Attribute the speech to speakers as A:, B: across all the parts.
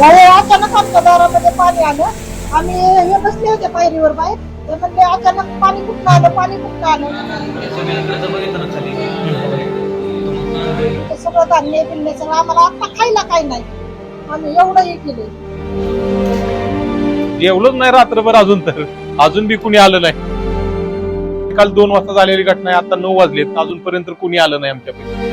A: अचानक आमच्या दारामध्ये पाणी आलं. आम्ही हे बसले होते पायरीवर बाहेर. ते म्हणले अचानक पाणी कुठं आलं, पाणी कुठं आलं. ते सगळं धान्य बिन्य सगळं आम्हाला आता खायला काही नाही. आम्ही एवढं हे केले.
B: जेवलोच नाही रात्रभर अजून बी कुणी आलं नाही. काल 2 वाजता झालेली घटना आहे, आता 9 वाजलेत, अजूनपर्यंत कुणी आलं नाही आमच्याकडे.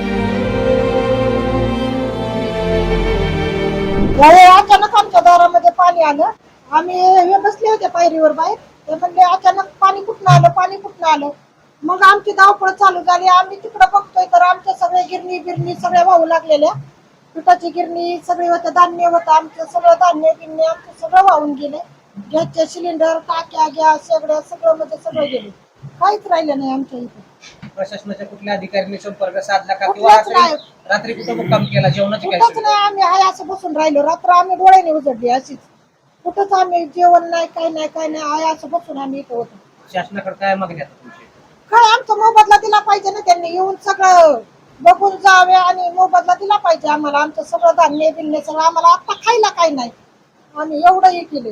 A: अचानक आमच्या दारामध्ये पाणी आलं. आम्ही हे बसले होते पायरीवर बाहेर. ते म्हणले अचानक पाणी कुठं आलं, पाणी कुठं आलं. मग आमची धावपळ चालू झाली. आम्ही तिकडे बघतोय तर आमच्या सगळ्या गिरणी बिरणी सगळ्या वाहू लागलेल्या. पिठाची गिरणी सगळी होतं, धान्य होतं आमचं सगळं, धान्य गिरणी आमचं सगळं वाहून गेले. गॅसचे सिलेंडर, टाक्या, गॅस सगळं म्हणजे सगळं गेले. काहीच राहिलं नाही आमच्या इथे.
C: प्रशासनाच्या कुठल्या अधिकाऱ्यांनी संपर्क साधला का?
A: कुठलाच नाही.
C: रात्री कुठं मुक्काम केला? जेवणाची काय
A: कुठंच
C: सोय?
A: नाही. आम्ही हाय असं बसून राहिलो. रात्र आम्ही डोळ्याने उजडली अशीच. कुठंच आम्ही जेवण नाही, काय नाही, काय नाही. हाय असं बसून आम्ही इथं होतो.
C: शासनाकडे काय मागणी आता तुमची?
A: काय आमचा मोबदला दिला पाहिजे ना. त्यांनी येऊन सगळं बघून जावे आणि मोबदला दिला पाहिजे आम्हाला. आमचं सगळं धान्य बिन्य सगळं आम्हाला आता खायला काही नाही. आम्ही एवढं हे केले.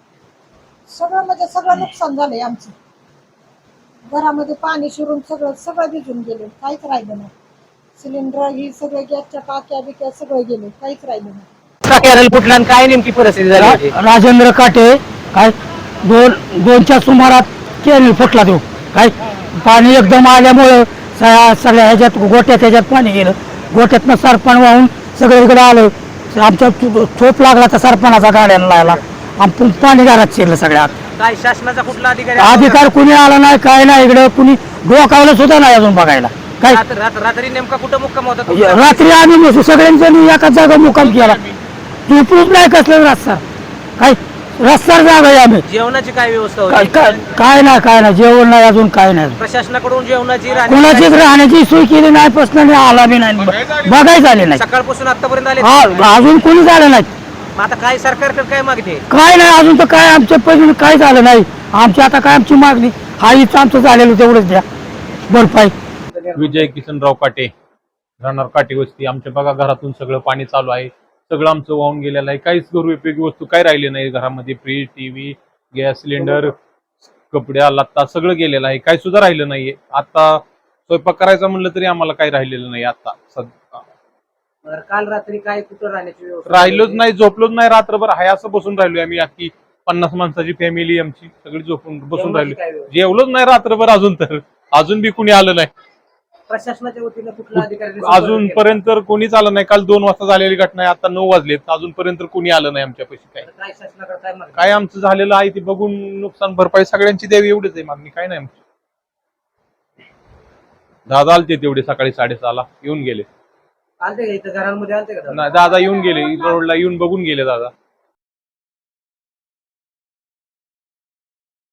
A: सगळं म्हणजे सगळं नुकसान झालंय आमचं. घरामध्ये पाणी शिरून सगळं भिजून गेले. काहीच राहिलं नाही. सिलेंडर ही सगळे गॅसच्या टाक्या बिक्या सगळं गेले. काहीच राहिलं नाही.
C: कॅरल फुटला आणि काय नेमकी परिस्थिती झाली होती?
D: राजेंद्र काटे काय दोनच्या सुमारात केली फुटला तो काय पाणी एकदम आल्यामुळं सगळ्या ह्याच्यात गोट्यात पाणी गेलं. गोट्यातनं सरपण वाहून सगळं इकडे आलं. आमच्या चोप लागला तर सरपणाचा गाड्याला लागला. आम पाणी घरात शिरलं सगळ्यात.
C: काय शासनाचा कुठला
D: अधिकार कुणी आला नाही, काय नाही. इकडे कुणी डोकावलं सुद्धा नाही अजून बघायला. काय
C: रात्री नेमका कुठं मुक्काम होता तुमचा?
D: रात्री आम्ही सगळ्यांनी एकाच जागा मुक्काम केला. झोपलूच नाही कसलं रस्ता काय रस्त्यावर जागा आहे आम्ही.
C: जेवणाची काय व्यवस्था
D: काय
C: होती?
D: काय नाही जेवण नाही अजून काय नाही.
C: प्रशासनाकडून जेवणाची
D: कुणाचीच राहण्याची सोय केली नाही. प्रश्न आला बी नाही, बघायच आले नाही.
C: सकाळपासून आतापर्यंत आले
D: अजून कोणी झालं नाही.
C: आता काय सरकारकडे काय मागणी आहे?
D: काय नाही अजून तर काय आमच्या पैसे काय झालं नाही. आमची आता काय आमची मागणी हा इथं आमचं झालेलं तेवढंच द्या भरपाई.
B: विजय किसनराव काटे, राहणार काटे वस्ती. आमच्या बघा घरातून सगळं पाणी चालू आहे. सगळं आमचं वाहून गेलेलं आहे. काहीच घरउपयोगी वस्तू काय राहिले नाही घरामध्ये. फ्रीज, टीव्ही, गॅस सिलेंडर, कपड्या लत्ता सगळं गेलेलं आहे. काही सुद्धा राहिलं नाहीये. आता स्वयंपाक करायचा म्हणलं तरी आम्हाला काही राहिलेलं नाही. आता
C: काल रात्री काय कुठं राहण्याची व्यवस्था?
B: राहिलोच नाही, झोपलोच नाही रात्रभर. हाय असं बसून राहिलोय आम्ही. अख्खी 50 माणसाची फॅमिली आमची सगळी बसून राहिलो. जेवलोच नाही रात्रभर अजून बी कुणी आलं नाही.
C: प्रशासनाच्या वतीने कुठल्या अधिकाऱ्यांनी
B: अजूनपर्यंत कोणीच आलं नाही. काल 2 वाजता झालेली घटना आहे, आता 9 वाजलेत, अजूनपर्यंत कोणी आलं नाही आमच्या पैसे.
C: काय शासनाकडे काय मागणी?
B: काय आमचं झालेलं आहे ते बघून नुकसान भरपाई सगळ्यांची द्यावी एवढीच आहे मागणी. काय नाही आमची. दादा आलते तेवढे सकाळी 6:30ला येऊन गेले.
C: आलते का इथं घरांमध्ये? आलते का?
B: नाही दादा येऊन गेले, रोडला येऊन बघून गेले दादा.